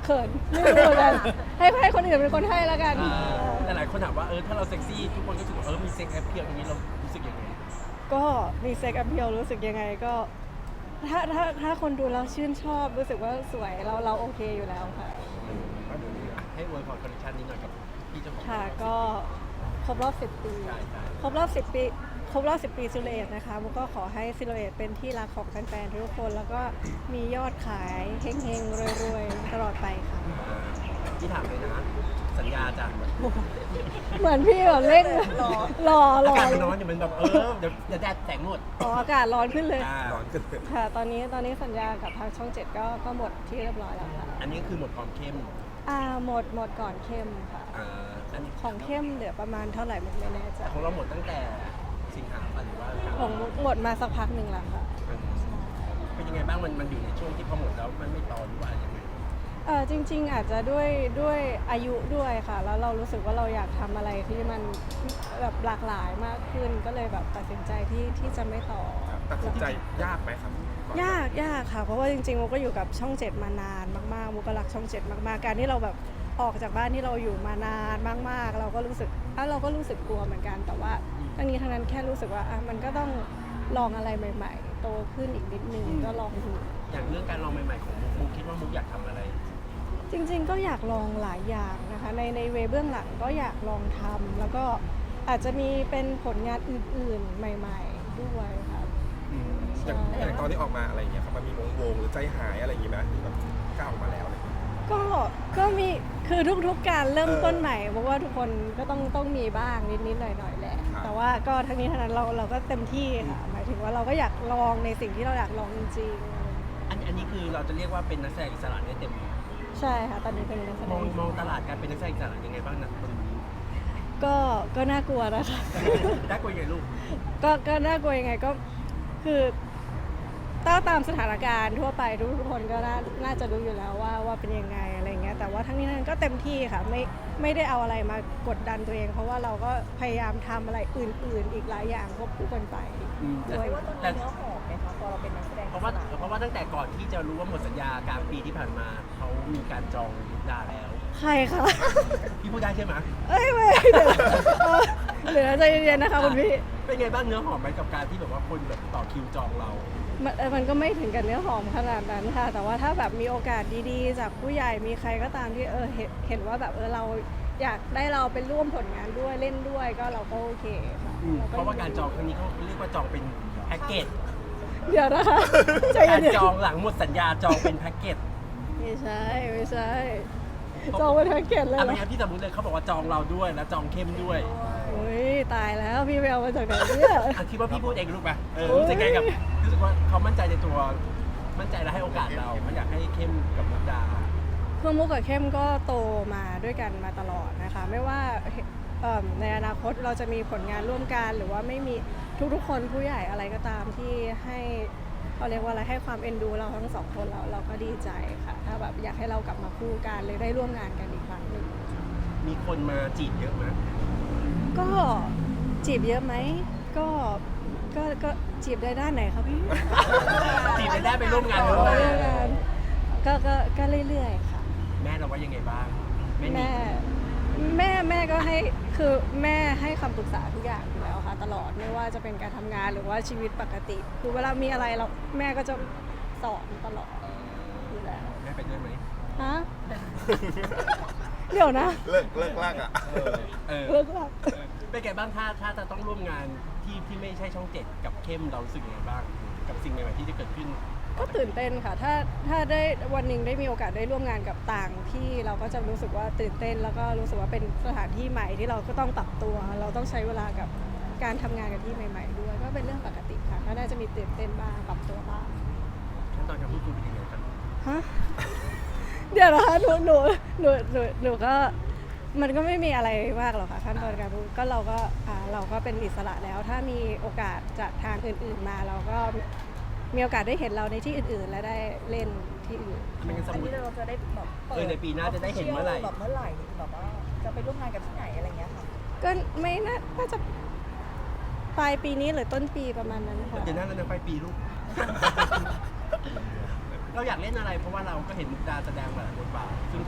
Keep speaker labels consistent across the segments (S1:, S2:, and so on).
S1: เขินไม่รู้เหมือนกันให้คนอื่นเป็นคนให้แล้วกัน
S2: แต่หลายคนถามว่าถ้าเราเซ็กซี่ทุกคนก็รู้สึกว่ามีเซ็กแอปเพียลอย่างนี้เรารู้สึกยังไง
S1: ก็มีเซ็กแอพเพียลรู้สึกยังไงก็ถ้าคนดูเราชื่นชอบรู้สึกว่าสวยเราโอเคอยู่แล้วค่ะ
S2: ให้อวยพรคอลเลคชันนี้หน่อยกับพี่เจ้าของ
S1: ค่ะก็ครบรอบ 10 ปี
S2: ใช่
S1: ครบรอบ 10 ปีครบรอบ 10 ปีซิลูเอตนะคะมุกก็ขอให้ซิลูเอตเป็นที่รักของแฟนๆทุกคนแล้วก็มียอดขายเฮงๆรวยๆตลอดไปค่ะ
S2: ที่ถามเลยนะสัญญาจาก
S1: เหมือนพี่แบบเร่งรอ
S2: อากาศมันร้อนอยู่มันแบบเดี๋ยวแดดแสงหมด
S1: อ๋ออากาศร้อนขึ้นเลย
S2: ร้อนขึ้น
S1: ค่ะตอนนี้สัญญากับทางช่อง 7ก็หมดที่เรียบร้อยแล้วค่ะ
S2: อันนี้คือหมดความเข้ม
S1: หมดก่อนเข้มค่ะ
S2: อันนี้
S1: ของเข้มเหลือประมาณเท่าไหร่ไม่แน่ใจ
S2: ของเราหมดตั้งแต่สิงหาคมหรือว่า
S1: ของมุกหมดมาสักพักหนึ่งแล้วค่ะ
S2: เป็นยังไงบ้างมันอยู่ในช่วงที่พอหมดแล้วมันไม่ต่อหรือว่ายังไง
S1: จริงๆอาจจะด้วยอายุด้วยค่ะ แล้วเรารู้สึกว่าเราอยากทำอะไรที่มันแบบหลากหลายมากขึ้นก็เลยแบบตัดสินใจที่จะไม่ต่อ
S3: ตัดสินใจยากไหมครับ
S1: ยากค่ะ เพราะว่าจริงๆมุกก็อยู่กับช่อง 7 มานานมากๆมุกก็รักช่อง 7 มากๆการที่เราแบบออกจากบ้านที่เราอยู่มานานมากๆเราก็รู้สึกกลัวเหมือนกัน แต่ว่าทั้งนี้ทั้งนั้นแค่รู้สึกว่ามันก็ต้องลองอะไรใหม่ๆโตขึ้นอีกนิดนึงก็ลองดู
S2: อย่างเรื่องการลองใหม่ๆของมุกคิดว่ามุกอยากทำอะไร
S1: จริงๆก็อยากลองหลายอย่างนะคะในเวเบื้องหลังก็อยากลองทำแล้วก็อาจจะมีเป็นผลงานอื่นๆใหม่ๆด้วยค่ะ
S3: อย่างตอนที่ออกมาอะไรอย่างเงี้ยครับมันมีวงหรือใจหายอะไรอย่างงี้ไหมที่แบบก้าวออกมาแล้วอะไรอย่างเงี้ย
S1: ก็มีคือทุกๆการเริ่มต้นใหม่เพราะว่าทุกคนก็ต้องมีบ้างนิดๆหน่อยๆแหละ
S3: ครับ
S1: แต่ว่าก็ทั้งนี้ทั้งนั้นเราก็เต็มที่ค่ะหมายถึงว่าเราก็อยากลองในสิ่งที่เราอยากลองจริง
S2: อันนี้คือเราจะเรียกว่าเป็นนักแสดงอิสระได้เต็ม
S1: ๆใช่ค่ะตอนนี้เป็นนักแสด
S2: มองตลาดการเป็นนักแสดงอิสระยังไงบ้างนะตรงนี้
S1: ก็น่ากลัวนะคะ
S2: ได้กลัวยังไงลูก
S1: ก็น่ากลัวยังไงก็คือตามสถานการณ์ทั่วไปทุกคนก็น่าจะรู้อยู่แล้วว่าเป็นยังไงอะไรเงี้ยแต่ว่าทั้งนี้ทั้งนั้นก็เต็มที่ค่ะไม่ได้เอาอะไรมากดดันตัวเอง เพราะว่าเราก็พยายามทำอะไรอื่นๆ อีกหลายอย่างควบคู่กันไปด้วย
S4: ว่าตอนนี้เนื้อหอมไหมคะพอเราเป็นนักแสดง
S2: เพราะว่าตั้งแต่ก่อนที่จะรู้ว่าหมดสัญญากลางปีที่ผ่านมาเขามีการจองมุกดาแล้ว
S1: ใครคะ
S2: พี่พูดได้ใช่ไหม
S1: ไม่เดี๋ยวใจเย็นๆนะคะคุณพี่
S2: เป็นไงบ้างเนื้อหอมไหมกับการที่แบบว่าคนแบบต่อคิวจองเรา
S1: มันก็ไม่ถึงกับเนื้อหอมขนาดนั้นค่ะ แต่ว่าถ้าแบบมีโอกาสดีๆ จากผู้ใหญ่มีใครก็ตามที่เห็นว่าแบบเราอยากได้เราเป็นร่วมผลงานด้วยเล่นด้วยก็เราก็โอเคค่ะ
S2: เพราะว่าการจองครั้งนี้เขาเรียกว่าจองเป็นแพ็กเกจ
S1: เดี๋ยวนะคะใจ
S2: การ
S1: เย็น
S2: จองหลังหมดสัญญาจองเป็นแพ็กเกจ
S1: ๆไม่ใช่จองเป็นแพ็กเกจเลยเหร
S2: ไม่
S1: อ
S2: งั้นพี่สมมติเลยเขาบอกว่าจองเราด้วยแล้วจองเข้มด้วย
S1: อุ้ยตายแล้วพี่ไปเอามาจากไหนเนี่ย
S2: คิดว่าพี่พูดเองรู้ป่ะรู้สึกไงกับรู้สึกว่าเขามั่นใจในตัวมั่นใจและให้โอกาสเราไม่อยากให้เข้มกับมุกดา
S1: คือมุกกับเข้มก็โตมาด้วยกันมาตลอดนะคะ ไม่ว่าในอนาคตเราจะมีผลงานร่วมกันหรือว่าไม่มีทุกๆคนผู้ใหญ่อะไรก็ตามที่ให้เขาเรียกว่าอะไรให้ความเอ็นดูเราทั้งสองคนเราก็ดีใจค่ะถ้าแบบอยากให้เรากลับมาคู่กันเลยได้ร่วมงานกันอีกครั้งหนึ่ง
S2: มีคนมาจีบเยอะไหม
S1: ก็จีบเยอะไหมก็จีบได้ด้านไหนครับพี่
S2: จีบได้ไปร่วมงาน
S1: ร่
S2: ด้
S1: ว
S2: วย
S1: มงานก็เรื่อยๆค่ะ
S2: แม่เราว่ายังไงบ้างแม่
S1: แม่ก็ให้คือแม่ให้คำปรึกษาทุกอย่างอยู่แล้วค่ะตลอดไม่ว่าจะเป็นการทำงานหรือว่าชีวิตปกติ คือเวลามีอะไรเราแม่ก็จะสอนตลอดอยู่แล้ว
S2: แม่ไปด้วยไหม
S1: ฮะ เดี๋ยวนะ
S3: เลิกลากอ่ะ
S1: เลิกหลับ
S2: เป็นไงบ้างถ้าจะต้องร่วมงานที่ไม่ใช่ช่อง 7 กับเข้มเรารู้สึกยังไงบ้าง กับสิ่งใหม่ๆที่จะเกิดขึ้น
S1: ก็ตื่นเต้นค่ะ ถ้าได้วันหนึ่งได้มีโอกาสได้ร่วมงานกับต่างที่เราก็จะรู้สึกว่าตื่นเต้น แล้วก็รู้สึกว่าเป็นสถานที่ใหม่ที่เราก็ต้องปรับตัว เราต้องใช้เวลากับการทำงานกับที่ใหม่ๆด้วย ก็เป็นเรื่องปกติค่ะก็น่าจะมีตื่นเต้นบ้างปรับตัวบ้าง
S2: ขั้นตอนการพูดคุยเป็นยังไงครับ
S1: ฮะ เดี๋ยวนะคะหนูก็มันก็ไม่มีอะไรมากหรอกค่ะขั้นตอนการพูดก็เราก็เป็นอิสระแล้ว ถ้ามีโอกาสจากทางอื่นๆมาเราก็มีโอกาสได้เห็นเราในที่อื่นๆ และได้เล่นที่อื่น
S2: ไม่งั้นส
S4: อั
S2: ม
S4: น
S2: ม
S4: นี้
S2: ติ
S4: เราจะได้แบบเปิด
S2: ในปีหน้าจะได้เห็นเมื่อไหร่
S4: แบบเมื่อไหร่แบบว่าจะไปร่วมงานกับที่ไหนอะไรเงี้ยค่ะ
S1: ก็ไม่น่าจะปลายปีนี้หรือต้นปีประมาณนั้นค่ะ
S2: เดี๋ยวนั้นเราจะไปปีลูก เราอยากเล่นอะไรเพราะว่าเราก็เห็นมุกดาแสดงหลายบทบาทซึ่ง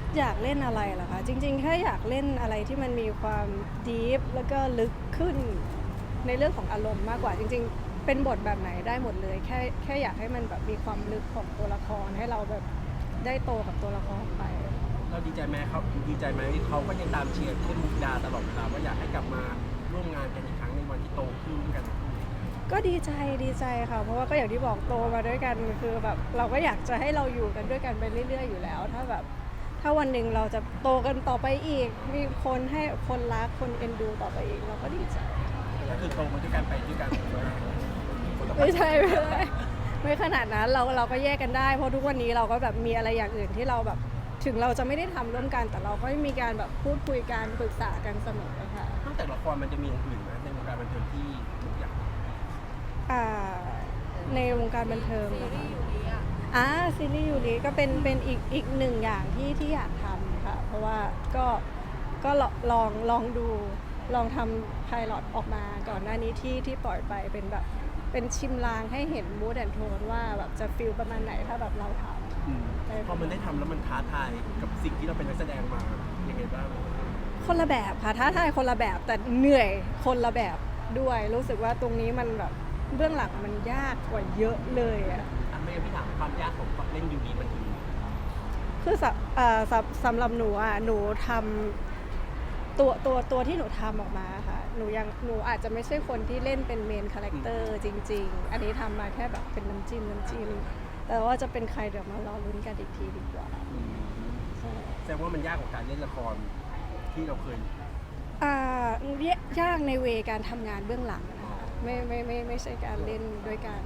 S1: อยากเล่นอะไรเหรอคะจริงๆแค่อยากเล่นอะไรที่มันมีความดีฟแล้วก็ลึกขึ้นในเรื่องของอารมณ์มากกว่าจริงๆเป็นบทแบบไหนได้หมดเลยแค่อยากให้มันแบบมีความลึกของตัวละครให้เราแบบได้โตกับตัวละครไป
S2: เราดีใจไหมเขาดีใจไหมเขาก็ยังตามเชียร์เข้มมุกดาตลอดเวลาว่าอยากให้กลับมาร่วมงานกันอีกครั้งในวันที่โตขึ้นกัน
S1: ก็ดีใจค่ะเพราะว่าก็อย่างที่บอกโตมาด้วยกันคือแบบเราก็อยากจะให้เราอยู่กันด้วยกันไปเรื่อยๆอยู่แล้ว ถ้าวันหนึ่งเราจะโตกันต่อไปอีก มีคนให้คนรักคนเอ็นดูต่อไปอีกเราก็ดีใจ
S2: ก็คือโตมาด้วยกันไปด้วยกัน
S1: ไม่ใช่ไม่ขนาดนั้นเราก็แยกกันได้เพราะทุกวันนี้เราก็แบบมีอะไรอย่างอื่นที่เราแบบถึงเราจะไม่ได้ทำร่วมกัน แต่เราก็มีการแบบพูดคุยกันปรึกษากันเสมอค่ะ
S2: นอกจากละครมันจะมีอย่างอื่นไหมในวงการบันเทิงที่ทุกอย่าง
S1: ในวงการบันเทิงนะคะซีรีส์ยูริก็เป็นอีกหนึ่งอย่างที่อยากทำค่ะ เพราะว่าก็ลองดูลองทำไพลอตออกมาก่อนหน้านี้ที่ปล่อยไปเป็นแบบเป็นชิมลางให้เห็นมูดแอนโทนว่าแบบจะฟีลประมาณไหนถ้าแบบเราทำ
S2: พอมันได้ทำแล้วมันท้าทายกับสิ่งที่เราเป็นนักแสดงมายังไงบ้าง
S1: คนละแบบค่ะท้าทายคนละแบบแต่เหนื่อยคนละแบบด้วยรู้สึกว่าตรงนี้มันแบบเบื้องหลังมันยากกว่าเยอะเลยอะ
S2: ไม่งั้นพี่ถามความยากของเล่นยูรีมันคือ
S1: สำหรับหนูอ่ะหนูทำตัวที่หนูทำออกมาค่ะหนูอาจจะไม่ใช่คนที่เล่นเป็นเมนคาแรคเตอร์จริงๆ อันนี้ทำมาแค่แบบเป็นน้ำจิ้มแต่ว่าจะเป็นใครเดี๋ยวมารอลุ้นกันอีกทีดีกว่าใช่
S2: แสดงว่ามันยากกว่าการเล่นละครที่เราเคย
S1: ยากในเวการทำงานเบื้องหลังนะคะไม่ใช่การเล่นด้วยกัน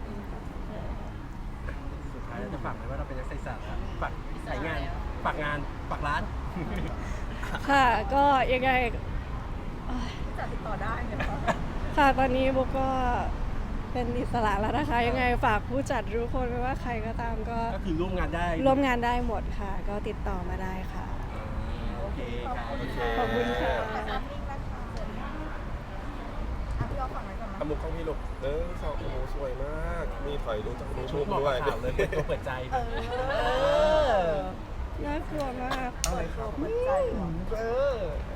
S2: สุดท้ายเราจะฝากไหมว่าเราเป็นนักศึกษาฝากสายงานฝากงานฝากร้าน
S1: ค่ะก็ยังไง
S4: จะติดต่อได้ไหมคะ
S1: ค่ะตอนนี้โบก็เป็นอิสระแล้วนะคะ ยังไงฝากผู้จัดทุกคนไม่ว่าใครก็ตามก็
S2: ก็คือร่วมงานได้
S1: ร่วมงานได้หมดค่ะ ก็ติดต่อมาได้ค่ะ
S2: โอเคครับ
S1: ขอบคุณค่ะ
S4: ขอบคุณนะคะพี่เอาฝั่งไหนก่อนนะ
S3: อามุกของพี่ลูกสองโอ้โหสวยมาก มีถอยดูจากมุม
S2: ชุดเหมาะ
S3: ด้ว
S2: กับ
S3: ย
S2: ข่าวเลยเปิดตัวเปิดใจ
S1: น่ากลัวมาก
S3: อะไรครับ
S4: เปิดใจเหรอ
S3: เออ